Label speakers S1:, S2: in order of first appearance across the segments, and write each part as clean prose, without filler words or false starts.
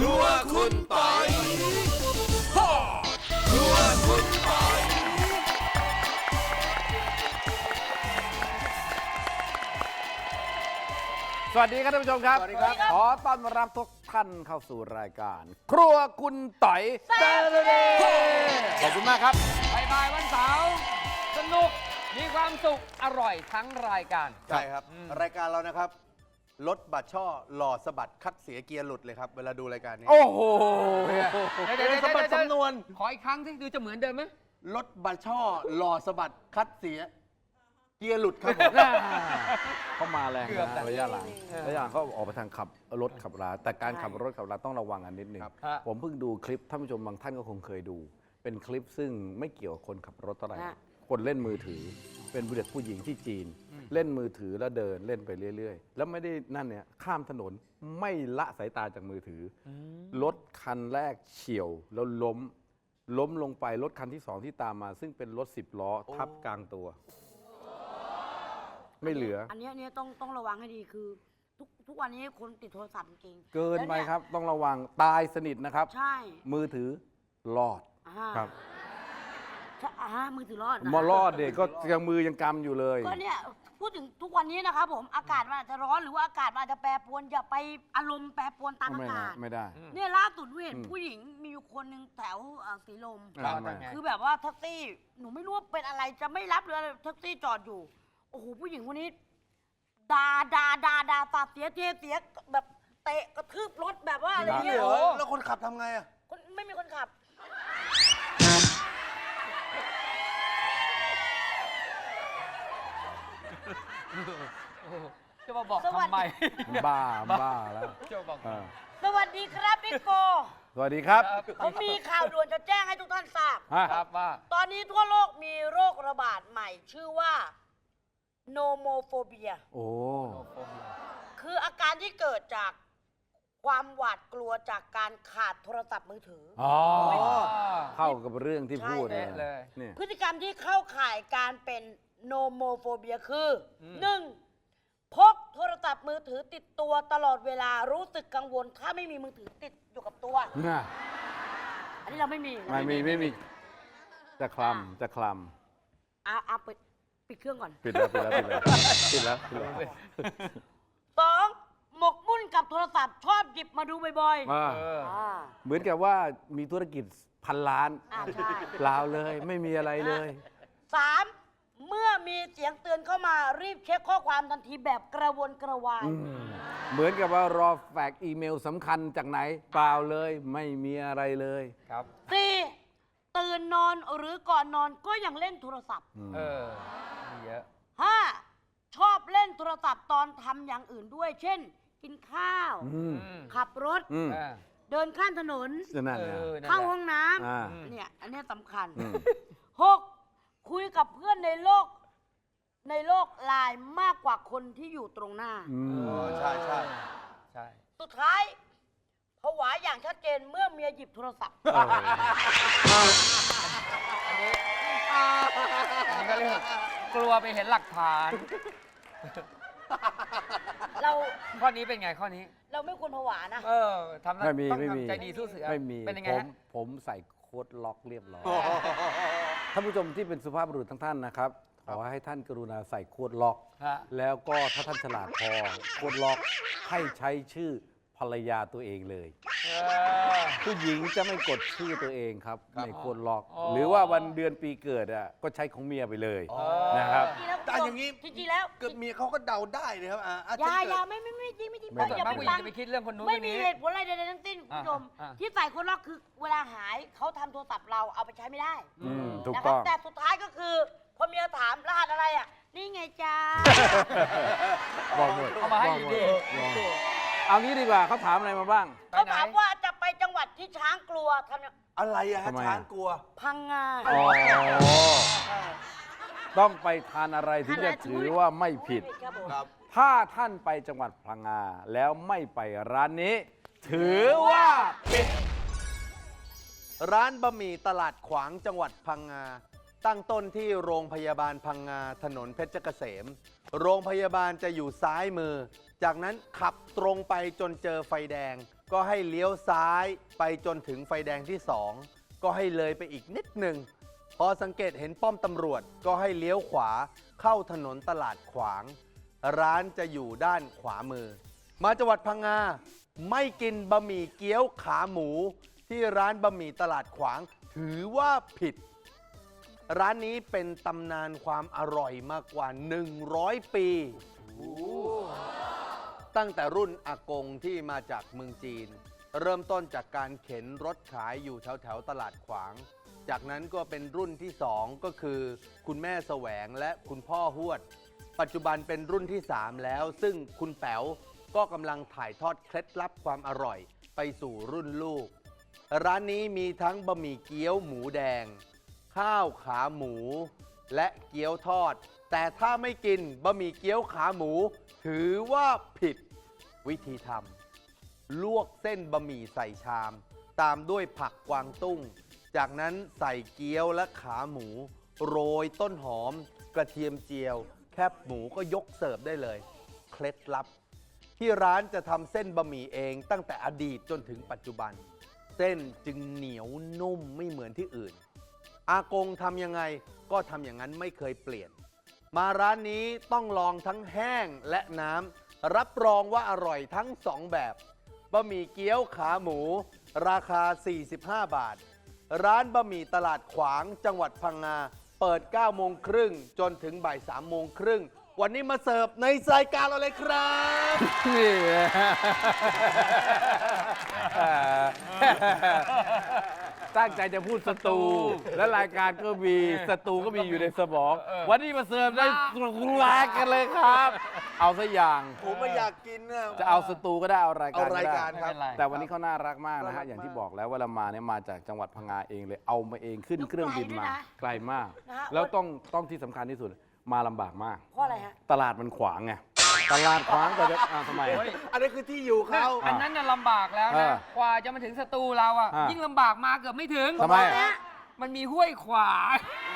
S1: รัวคุณปอยครัวคุณปอย
S2: สวัสดีครับท่านผู้ชมครับ
S3: สวัสดีครับ
S2: ขอต้อนรับทุกท่านเข้าสู่รายการ ครัวคุณต่อยแซ่บขอบคุณมากครับ
S3: บ่ายวันเสาร์สนุกมีความสุขอร่อยทั้งรายการ
S4: ใช่ครับ รายการเรานะครับรถบัตรช่อหล่อสะบัดคัดเสียเกียร์หลุดเลยครับ เวลาดูรายการนี้
S2: โอ้โห
S3: เดี๋ยว
S4: สะบัดสำนวน
S3: ขออีกครั้งที่ดูจะเหมือนเดิมไหม
S4: รถบัตรช่อหล่อสะบัดคัดเสียเกียร์หลุดครับผม
S2: เขามาแรง
S3: เกือบ
S2: นะระยะหลังเขาออกไปทางขับรถขับราแต่การขับรถขับราต้องระวังอันนิดนึง
S3: ฮะ
S2: ผมเพิ่งดูคลิปท่านผู้ชมบางท่านก็คงเคยดู เป็นคลิปซึ่งไม่เกี่ยวกับคนขับรถเท่าไหร่คนเล่นมือถือ เป็นเด็กผู้หญิงที่จีน เล่นมือถือแล้วเดินเล่นไปเรื่อยๆ แล้วไม่ได้นั่นเนี่ยข้ามถนนไม่ละสายตาจากมือถืออรถคันแรกเฉี่ยวแล้วล้มลงไปรถคันที่สองที่ตามมา ซึ่งเป็นรถ10 ล้อทับกลางตัว ไม่เหลือ
S5: อันเนี้ยต้องระวังให้ดีคือ ทุกวันนี้คนติดโทรศัพท์จริงๆ
S2: เกินไป
S5: แล้วย
S2: ครับ ต้องระวังตายสนิทนะครับ
S5: ใช่
S2: มือถือรอด
S5: อ่า
S2: ครับ
S5: ใช่มือถือรอดนะ
S2: มารอดเด็กก็ยังมือยังกำอยู่เลย
S5: ก็เนี่ยพูดถึงทุกวันนี้นะครับผมอากาศมันอาจจะร้อนหรือว่าอากาศมันอาจจะแปรปรวนอย่าไปอารมณ์แปรปรวนตามอา
S2: ไม่
S5: กา
S2: ได้
S5: ศ
S2: ไม่ได้
S5: เนี่ยล่าสุดเห็นผู้หญิงมีอยู่คนหนึ่งแถวสีลม
S2: อ่าไม่
S5: คือแบบว่าแท็กซี่หนูไม่รู้ว่าเป็นอะไรจะไม่รับเลยแท็กซี่จอดอยู่โอ้โหผู้หญิงคนนี้ด่าปากเสียแบบเตะกระทืบรถแบบว่าอะไรเงี้ย
S4: เหรอแล้วคนขับทำไงอ่ะ
S5: ไม่มีคนขับ
S3: จะมาบอก
S5: สวัส
S3: ทำไม
S5: ดี
S2: บ้าแล้ว
S3: จะมาบอก
S2: อ่า
S5: สวัสดีครับพี่โก
S2: สวัสดีครับ
S5: ผมมีข่าวด่วนจะแจ้งให้ทุกท่านทราบ
S2: ฮะ
S3: ครับว่า
S5: ตอนนี้ทั่วโลกมีโรคระบาดใหม่ ชื่อว่าโนโมโฟเบีย
S2: โอ้
S5: คืออาการที่เกิดจากความหวาดกลัวจากการขาดโทรศัพท์มือถืออ
S2: อ๋อเข้ากับเรื่องที่พูด
S5: ใช่
S2: เลยเนี่ย
S5: พฤติกรรมที่เข้าข่ายการเป็นโนโมโฟเบียคือหนึ่งพกโทรศัพท์มือถือติดตัวตลอดเวลารู้สึกกังวล ถ้าไม่มีมือถือติดอยู่กับตัว
S2: น่ะ
S5: อันนี้เราไม่มี
S2: ไม่มีจะคลำ
S5: เอาปิดเครื่องก่อน
S2: ปิดแล้ว
S5: สองหมกมุ่นกับโทรศัพท์ชอบหยิบมาดูบ่อย
S2: อ่า เหมือนกับว่ามีธุรกิจ1,000 ล้าน
S5: ใช่
S2: เปล่าเลยไม่มีอะไรเลย
S5: สามเมื่อมีเสียงเตือนเข้ามารีบเช็คข้อความทันทีแบบกระวนกระวาย
S2: เหมือนกับว่ารอแฟกซ์อีเมลสำคัญจากไหน เปล่าเลยไม่มีอะไรเลย
S3: ครับ
S5: สี่ตื่นนอนหรือก่อนนอนก็ยังเล่นโทรศัพท์
S3: เออมีเยอะ
S5: ห้าชอบเล่นโทรศัพท์ตอนทำอย่างอื่นด้วย เช่น กินข้าว
S2: อืม
S5: ขับรถ
S2: อืม
S3: อ่า
S5: เดินข้ามถนน
S2: นั่นนะ
S3: นั่นแหละ
S5: เข้าห้องน้
S2: อ่า
S5: ำเนี่ยอันเนี้ยสำคัญ
S2: อืม
S5: หกคุยกับเพื่อนในโลกไลน์มากกว่าคนที่อยู่ตรงหน้า
S2: อืม
S4: ใช่
S3: ใช่
S5: สุดท้ายผวาอย่างชัดเจนเมื่อเมียหยิบโทรศัพท์
S3: อันนี้ก็เรียกกลัวไปเห็นหลักฐาน
S5: เรา
S3: ข้อนี้เป็นไงข้อนี้
S5: เราไม่ควรผวานะ
S3: เออทำ
S2: ไม่มี
S3: ต้อง
S2: ไม่มี
S3: ทำใจดีสู้เสือ
S2: ไม่มี
S3: เป็นยังไงฮะ
S2: ผมใส่โค้ดล็อกเรียบร้อยท่านผู้ชมที่เป็นสุภาพบุรุษทั้งท่านนะครับ ขอให้ท่านกรุณาใส่โค้ดล็อก
S3: ฮะ
S2: แล้วก็ถ้าท่านฉลาดพอโค้ดล็อกให้ใช้ชื่อภรรยาตัวเองเลย
S3: เออ
S2: ผู้หญิงจะไม่กดชื่อตัวเองครับในโค้ดล็อก
S3: อ๋อ
S2: หรือว่าวันเดือนปีเกิดอ่ะก็ใช้ของเมียไปเลยนะครับ
S4: แต่อย่างนี้
S5: จริงๆแล้ว
S4: เกิดเมียเขาก็เดาได้เลยครับอ่ะ
S5: อย่าไม่จริง
S2: ไม่
S3: ส่วน
S5: อย่าม
S3: าก
S5: ไป
S3: ผู้หญิ
S5: ฟั
S3: ง
S5: ง
S3: จะไปคิดเรื่องคนนู้น
S5: ไม่
S3: คน
S5: มี
S3: นี้
S5: เหตุผลอะไรใดๆทั้งสิ้นคุณผู้ชม
S3: อ่า
S5: ที่ใส่คนล็อกคือเวลาหายเขาทำโทรศัพท์เราเอาไปใช้ไม่ได้
S2: ถูก
S5: นะค
S2: ต้
S5: รั
S2: อบ ง
S5: แต่สุดท้ายก็คือพอเมียถามรหัสอะไรอ่ะ นี่ไงจ้า
S2: บอกหมด
S3: เอามาให้อยู่ดี
S2: เอางี้ดีกว่าเขาถามอะไรมาบ้าง
S5: เขาถามว่าจะไปจังหวัดที่ช้างกลัวทำยัง
S4: อะไรอะฮะ
S2: ทำไมอะ
S4: ช้างกลัว
S5: พังงา
S2: อ๋อต้องไปทานอะไรถึงจะถือว่าไม่ผิด
S5: ครับผม
S4: ครับ
S2: ถ้าท่านไปจังหวัดพังงาแล้วไม่ไปร้านนี้ ถือว่าผิด
S4: ร้านบะหมี่ตลาดขวางจังหวัดพังงา ตั้งต้นที่โรงพยาบาลพังงาถนนเพชรเกษม โรงพยาบาลจะอยู่ซ้ายมือ จากนั้นขับตรงไปจนเจอไฟแดงก็ให้เลี้ยวซ้ายไปจนถึงไฟแดงที่ 2 ก็ให้เลยไปอีกนิดหนึ่งพอสังเกตเห็นป้อมตำรวจก็ให้เลี้ยวขวาเข้าถนนตลาดขวาง ร้านจะอยู่ด้านขวามือ มาจังหวัดพังงาไม่กินบะหมี่เกี๊ยวขาหมูที่ร้านบะหมี่ตลาดขวางถือว่าผิด ร้านนี้เป็นตำนานความอร่อยมากกว่า 100 ปี ตั้งแต่รุ่นอากงที่มาจากเมืองจีน เริ่มต้นจากการเข็นรถขายอยู่แถวๆตลาดขวาง จากนั้นก็เป็นรุ่นที่ 2 ก็คือคุณแม่แสวงและคุณพ่อฮวด ปัจจุบันเป็นรุ่นที่ 3 แล้ว ซึ่งคุณแป๋วก็กำลังถ่ายทอดเคล็ดลับความอร่อยไปสู่รุ่นลูก ร้านนี้มีทั้งบะหมี่เกี๊ยวหมูแดง ข้าวขาหมู และเกี๊ยวทอด แต่ถ้าไม่กินบะหมี่เกี๊ยวขาหมู ถือว่าผิดวิธีทำลวกเส้นบะหมี่ใส่ชาม ตามด้วยผักกวางตุ้ง จากนั้นใส่เกี๊ยวและขาหมู โรยต้นหอม กระเทียมเจียว แคบหมูก็ยกเสิร์ฟได้เลย เคล็ดลับ ที่ร้านจะทำเส้นบะหมี่เองตั้งแต่อดีตจนถึงปัจจุบัน เส้นจึงเหนียวนุ่มไม่เหมือนที่อื่น อากงทำยังไงก็ทำอย่างนั้นไม่เคยเปลี่ยน มาร้านนี้ต้องลองทั้งแห้งและน้ำรับรองว่าอร่อยทั้ง 2 แบบบะหมี่เกี๊ยวขาหมู ราคา 45 บาท ร้านบะหมี่ตลาดขวางจังหวัดพังงาเปิด 9 โมงครึ่งจนถึงบ่าย 3 โมงครึ่งวันนี้มาเสิร์ฟในรายการเราเลยครับ
S2: นี่ ตั้งใจจะพูดสตู และรายการก็มีสตูก็มีอยู่ในสมอง วันนี้มาเสิร์ฟได้คุณแรกกันเลยครับ เอาซะอย่าง
S4: ผมไม่อยากกินนะ
S2: จะเอาสตูก็ได้เอารายการก็
S4: เอาราย
S2: ได้
S4: การครับ
S2: แต่วันนี้เขาน่ารักมากนะฮะอย่างที่บอกแล้วว่าเรามาเนี่ยมาจากจังหวัดพังงาเองเลยเอามาเองขึ้นเครื่องบินมาไกลมาก
S5: นะฮะ
S2: แล้วต้องที่สำคัญที่สุดมาลำบากมาก
S5: เพราะอะไรฮะ
S2: ตลาดมันขวางไงตลาดขวางแต่จะทำไม
S4: อันนี้คือที่อยู่เขา
S3: อันนั้นน่ะลำบากแล้ว
S2: เอ
S3: นะ
S2: อ
S3: กว่าจะมาถึงสตูเราอ่ะ
S2: อ่ะ
S3: ยิ่งลำบากมาเกือบไม่ถึง
S2: ทำไม
S5: ฮะ
S3: มันมีห้วยขวาง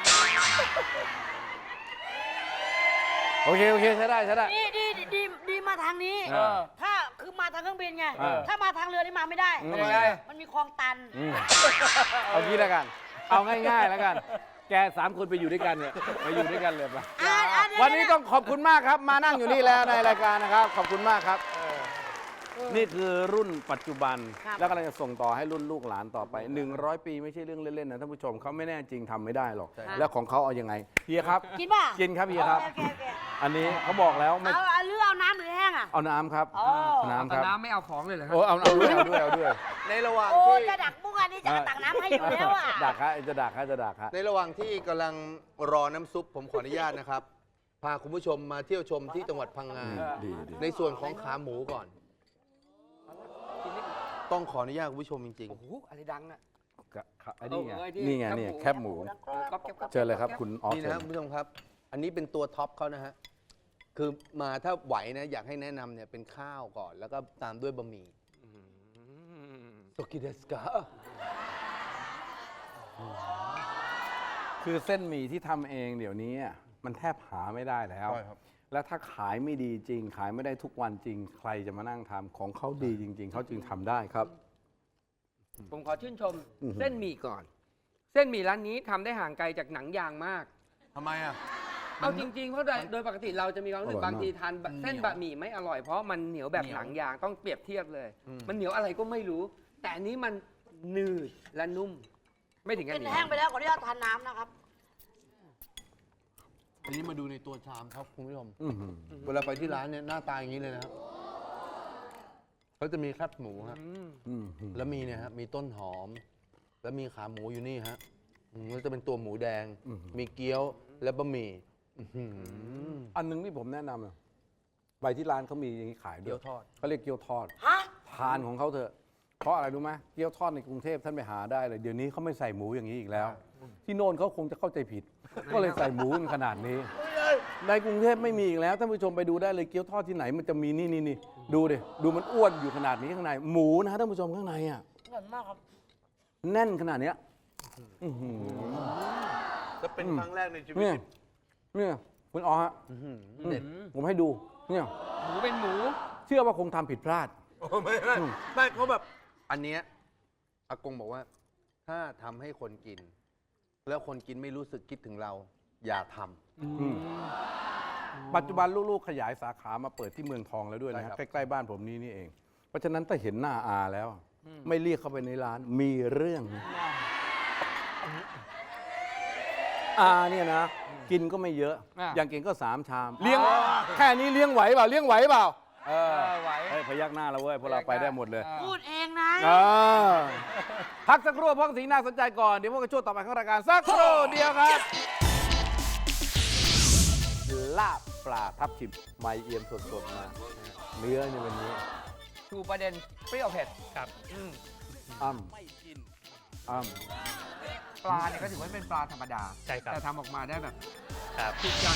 S2: โอเคใช้ได้ใช้ได้
S5: ดีมาทางนี้
S2: เออ
S5: ถ้าคือมาทางเครื่องบินไง
S2: เออ
S5: ถ้ามาทางเรือนี่มาไม่ได้
S2: อืม
S5: ทำไม
S3: ไม่ได้
S5: มันมีคลองตัน
S2: อืมเอางี้แล้วกัน เอาง่ายๆแล้วกัน แก3 คนไปอยู่ด้วยกันเนี่ยไปอยู่ด้วยกันเลยปะ
S5: เดี๋ย
S2: วันนี้ต้องขอบคุณมากครับ มานั่งอยู่นี่แล้วในรายการนะครับ ขอบคุณมากครับ นี่คือรุ่นปัจจุบัน
S5: ครับ
S2: แล้วกำลังจะส่งต่อให้รุ่นลูกหลานต่อไป 100 ปีไม่ใช่เรื่องเล่นๆนะท่านผู้ชมเขาไม่แน่จริงทำไม่ได้หรอก แล้วของเขาเอายังไงเฮียครับ
S5: กินป่ะ
S2: กินครับเฮียครับ
S5: โอเค
S2: อันนี้เขาบอกแล้วไม่
S5: เอาเรือเอาน้ำหรือแห้งอ่ะ
S2: เอาน้ำครับ
S5: อ๋อ
S2: น้ำค
S3: แต่
S2: รับ
S3: น้ำไม่เอาของเลยเหรอครั
S2: โอ้เอาด้วย
S4: ในระหว่าง
S5: โอ้
S4: ที่
S5: จะดักบุ้งอันนี้จะตักน้ำให้อยู่แล้วอ่ะ
S2: ดักฮะจะดักฮะ
S4: ในระหว่างที่กำลังรอน้ำซุปผมขออนุญาตนะครับ พาคุณผู้ชมมาเที่ยวชมที่จังหวัดพังงา
S2: ดี
S4: ในส่วนของขาหมูก่อน ต้องขออนุญาตคุณผู้ชมจริง
S3: โอ้โหอะไรดังอ่ะ
S2: ไอ้นี่ไง
S3: เออ
S2: นี่ไง
S3: แคบหมู
S2: เนี่ยแคบหมู
S3: ก๊อบแก๊บก๊อบ
S2: เจอเลยครับคุณออ
S4: ๆ
S2: ฟ
S4: นี่
S2: เชิ
S4: นะ
S2: ญ
S4: คุณผู้ชมครับ อันนี้เป็นตัวท็อปเขานะฮะ คือมาถ้าไหวนะอยากให้แนะนำเนี่ยเป็นข้าวก่อน แล้วก็ตามด้วยบะหมี่โตกิเดสกา
S2: คือเส้นหมี่ที่ทำเองเดี๋ยวนี้อ่ะมันแทบหาไม่ได้แล้ว
S4: ใช่ครับ
S2: แล้วถ้าขายไม่ดีจริง ขายไม่ได้ทุกวันจริง ใครจะมานั่งทำของเขาดีจริง ๆเขาจึงทำได้ครับ
S3: ผมขอชื่นชม
S2: อือหือ
S3: เส้นหมี่ก่อน เส้นหมี่ร้านนี้ทำได้ห่างไกลจากหนังยางมาก
S4: ทำไมอ่ะ
S3: เอาจริงๆ เพราะโดยปกติเราจะมีความรู้สึกบางทีทานเส้นบะหมี่ไม่อร่อยเพราะมันเหนียวแบบหนังยางต้องเปรียบเทียบเลย มันเหนียวอะไรก็ไม่รู้ แต่อันนี้มันหนืดและนุ่ม ไม่ถึงกับ
S5: กิน
S3: เหนียว
S5: แห้งไปแล้วขออนุญาตทานน้ำนะครับ
S4: อันนี้มาดูในตัวชามครับคุณผู้ชม
S2: อื้อหือ
S4: เวลาไปที่ร้านเนี่ยหน้าตาอย่างนี้เลยนะครับเขาจะมีแคบหมูฮะ
S2: อื้อหือ
S4: แล้วมีเนี่ยฮะ มีต้นหอม แล้วมีขาหมูอยู่นี่ฮะแล้วจะเป็นตัวหมูแดง มีเกี๊ยว และบะหมี่อื้อหือ
S2: อันหนึงที่ผมแนะนำอะไปที่ร้านเขามีอย่างนี้ขายด้
S4: เกี๊
S2: วย
S4: ยวทอด
S2: เขาเรียกเกี๊ยวทอด
S5: ฮะ
S2: ทานของเขาเถอะ เพราะอะไรรู้ไหมเกี๊ยวทอดในกรุงเทพท่านไปหาได้เลย เดี๋ยวนี้เขาไม่ใส่หมูอย่างนี้อีกแล้ว ที่โน่นเขาคงจะเข้าใจผิด ก็เลยใส่หมูกันขนาดนี้ ในกรุงเทพไม่มีอีกแล้วท่านผู้ชมไปดูได้เลยเกี๊ยวทอดที่ไหนมันจะมีนี่ดูดิดูมันอ้วนอยู่ขนาดนี้ข้างในหมูนะท่านผู้ชมข้างในอ่ะ
S5: อร่อยมากครับ
S2: แน่นขนาดเนี้ยอื้อหือ
S4: จะเป็นครั้งแรกในชีวิต
S2: เนี่ยเนี่ยคุณอ๋อฮะ
S4: เด็ด
S2: ผมให้ดูเนี่ย
S3: หมูเป็นหมู
S2: เชื่อว่าคงทำผิดพลาด
S4: ไม่เขาแบบอันเนี้ยอากงบอกว่า ถ้าทำให้คนกิน แล้วคนกินไม่รู้สึกคิดถึงเรา อย่าทำ
S2: ปัจจุบันลูกๆขยายสาขามาเปิดที่เมืองทองแล้วด้วยนะ
S4: ใช่ครั
S2: ฮะ
S4: บ
S2: ใกล้ๆบ้านผมนี่เอง เพราะฉะนั้นถ้าเห็นหน้าอาแล้ว ไม่เรียกเข้าไปในร้านมีเรื่องนะอาเนี่ยนะ กินก็ไม่เยอะ อย่างเก่งก็3 ชาม เลี้ยงแค่นี้เลี้ยงไหวเปล่าเลี้ยงไหวเปล่า
S3: ไหว
S2: เฮ้ยพยักหน้าแล้วเว้ยพวกเราไปได้หมดเลย
S5: พูดเองนะ
S2: พักสักครู่เพราะสิ่งน่าสนใจก่อน เดี๋ยวพวกกันช่วงต่อไปของรายการสักครู่เดียวครับลาบปลาทับทิมไม่เอี่ยมสดๆมาเนื้อในวันนี้
S3: ชูประเด็นเปรี้ยวเผ็ดครับ
S2: อ้ำอ้ำ
S3: ปลาเนี่ยก็ถือว่าเป็นปลาธรรมดา
S1: ใช่ครับ
S3: แต่ทำออกมาได้แบบ
S1: ครับ
S3: ทุกอย่าง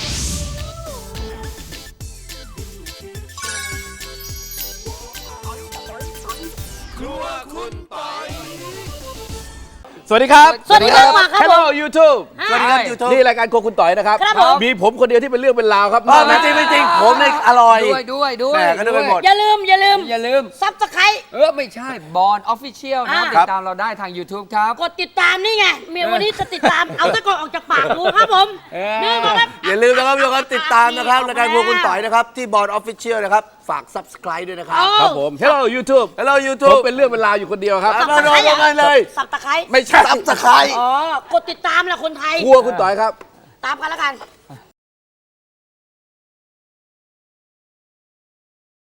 S1: ครัวคุณปอย
S2: สวัสดีครับ
S5: สวัสดีครับมาครับ
S2: Hello YouTube
S5: สวัสดีครับ
S2: YouTube นี่รายการโครัวคุณต่อยนะครับ
S5: ครับผม
S2: มีผมคนเดียวที่เป็นเรื่องเป็นราวครับ
S6: ไม่จริงไม่จริงผมเนี่ยอร่อย
S3: ด้วย
S6: แหม่ก็นึกไปหมด
S5: อย่าลืม
S3: อย่าลืม
S5: ซับสไครต์
S3: ไม่ใช่บอลออฟฟิเชียลนะ
S5: อ่า
S3: ติดตามเราได้ทาง YouTube ครับ
S5: กดติดตามนี่ไงเมียวันนี้จะติดตาม เอาตะกอนออกจากปากกูครับผมนี่มาครับ
S6: อย่าลืมนะครับทุกคนติดตามนะครับรายการพวกคุณต่อยนะครับที่บอร์ดออฟฟิเชียลนะครับฝาก subscribe ด้วยนะครับ
S2: ครับผม Hello YouTube
S6: Hello
S2: ผม
S6: YouTube
S2: เป็นเรื่องเป็นราวอยู่คนเดียวครับ
S6: มาโดนกันเลย
S5: สับตะไคร้
S2: ไม่ใช่
S6: subscribe
S5: อ๋อกดติดตามแหละคนไทย
S2: ครัวคุณต่อยครับ
S5: ตามกันแล้วกัน